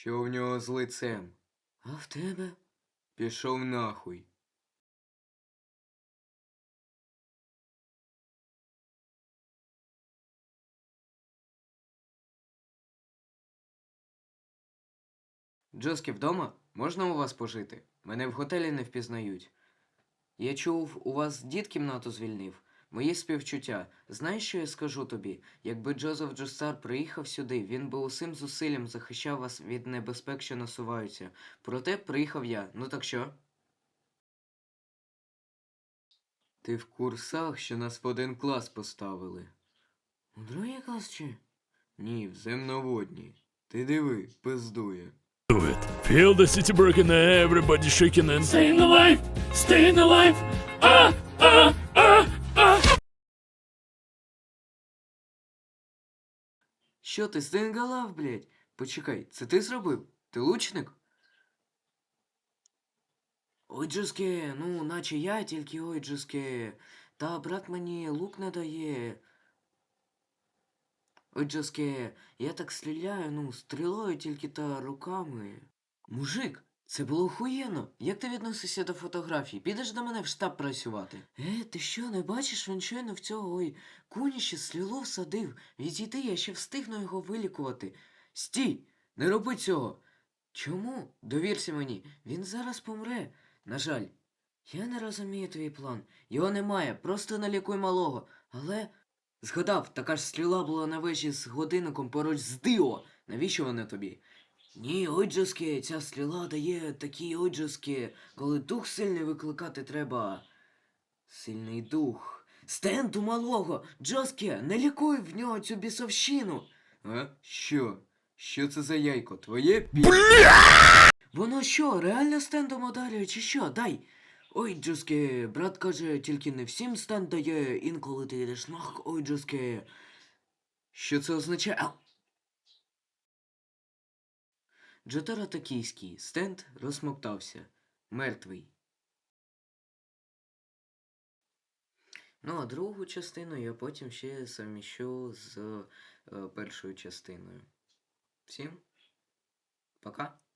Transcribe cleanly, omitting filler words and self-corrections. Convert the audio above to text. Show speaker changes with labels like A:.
A: Що в нього з лицем?
B: А в тебе?
A: Пішов нахуй.
B: Джоскі вдома? Можна у вас пожити? Мене в готелі не впізнають. Я чув, у вас дід кімнату звільнив. Мої співчуття. Знаєш, що я скажу тобі? Якби Джозеф Джостар приїхав сюди, він би усім зусиллям захищав вас від небезпек, що насуваються. Проте приїхав я. Ну так що?
A: Ти в курсах, що нас в один клас поставили?
B: У другий клас чи?
A: Ні, в земноводній. Ти диви, пиздує.
C: Feel the city breaking, everybody shaking and staying alive, staying alive. Ah, ah, ah, ah.
B: Що ти, стенгалав, блядь? Почекай, це ти зробив? Ти лучник? Ой, Джоске, ну, наче я, тільки ой, Джоске. Та брат мені лук не дає. Ой, Джоске, я так стріляю, ну, стрілою тільки та руками. Мужик, це було охуєнно. Як ти відносишся до фотографій? Підеш до мене в штаб працювати? Ти що, не бачиш, він щойно в цього, ой, куніще стрілу всадив. Відійди, я ще встигну його вилікувати. Стій! Не роби цього! Чому? Довірся мені, він зараз помре. На жаль, я не розумію твій план. Його немає, просто налікуй малого. Але... Згадав, така ж стріла була на вежі з годинником поруч з Діо. Навіщо вона тобі? Ні, ой, Джоске, ця стріла дає такі ой, Джоске, коли дух сильний викликати треба. Сильний дух. Стенду малого! Джоске, не лікуй в нього цю бісовщину.
A: А? Що? Що це за яйко? Твоє
B: Воно що, реально стендом ударює, чи що? Дай. Ой, Джоске, брат каже, тільки не всім стенд дає, інколи ти йдеш нах, ой, Джоске. Що це означає? А! Джотаро токійський. Стенд розсмоктався. Мертвий. Ну, а другу частину я потім ще совміщу з першою частиною. Всім пока.